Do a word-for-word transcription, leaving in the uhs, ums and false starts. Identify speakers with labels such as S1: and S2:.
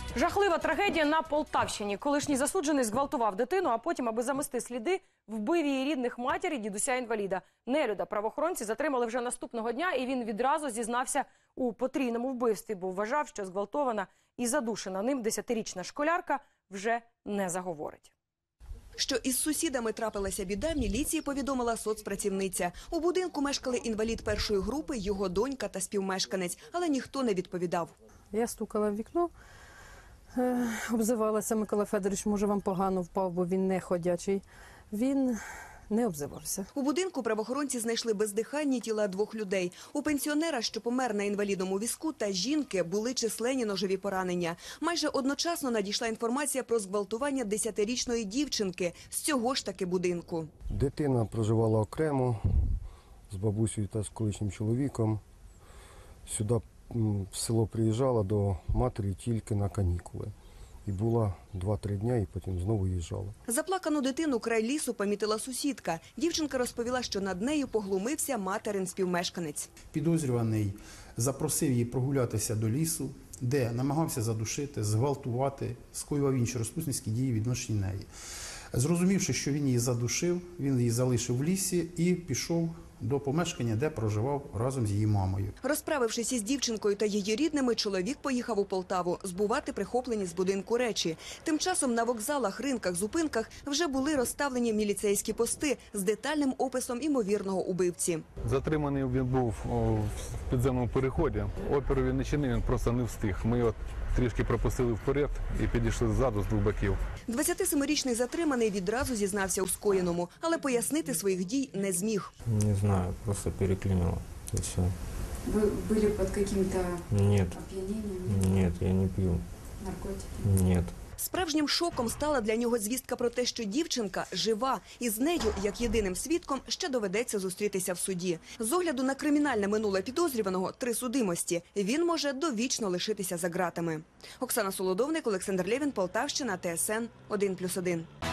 S1: Жахлива трагедія на Полтавщині. Колишній засуджений зґвалтував дитину, а потім, аби замести сліди, вбив її рідних матір і дідуся-інваліда. Нелюда правоохоронці затримали вже наступного дня, і він відразу зізнався у потрійному вбивстві, бо вважав, що зґвалтована і задушена ним десятирічна школярка вже не заговорить.
S2: Що із сусідами трапилася біда, міліції повідомила соцпрацівниця. У будинку мешкали інвалід першої групи, його донька та співмешканець, але ніхто не відповідав.
S3: Я стукала в вікно, обзивалася: Микола Федорович, може вам погано впав, бо він не ходячий. Він не обзивався.
S2: У будинку правоохоронці знайшли бездиханні тіла двох людей. У пенсіонера, що помер на інвалідному візку, та жінки були численні ножові поранення. Майже одночасно надійшла інформація про зґвалтування десятирічної дівчинки з цього ж таки будинку.
S4: Дитина проживала окремо з бабусею та з колишнім чоловіком. Сюди в село приїжджала до матері тільки на канікули. І була два-три дні, і потім знову їжджала.
S2: Заплакану дитину край лісу помітила сусідка. Дівчинка розповіла, що над нею поглумився материн співмешканець.
S5: Підозрюваний запросив її прогулятися до лісу, де намагався задушити, зґвалтувати, скоював інші розпусницькі дії відносно неї. Зрозумівши, що він її задушив, він її залишив в лісі і пішов до помешкання, де проживав разом з її мамою.
S2: Розправившись із дівчинкою та її рідними, чоловік поїхав у Полтаву збувати прихоплені з будинку речі. Тим часом на вокзалах, ринках, зупинках вже були розставлені міліцейські пости з детальним описом імовірного убивці.
S6: Затриманий він був в підземному переході. Опіру він не чинив, він просто не встиг. Ми його трішки пропустили вперед і підійшли ззаду з двох боків.
S2: двадцятисемирічний затриманий відразу зізнався у скоєному, але пояснити своїх дій не зміг.
S7: Не знаю, просто переклинило. И все.
S8: Вы были под каким-то
S7: Нет.
S8: опьянением?
S7: Нет, я не пью.
S8: Наркотики?
S7: Нет.
S2: Справжнім шоком стала для нього звістка про те, що дівчинка жива, і з нею, як єдиним свідком, ще доведеться зустрітися в суді. З огляду на кримінальне минуле підозрюваного – три судимості. Він може довічно лишитися за ґратами. Оксана Солодовник, Олександр Лєвін, Полтавщина, Т С Н один плюс один.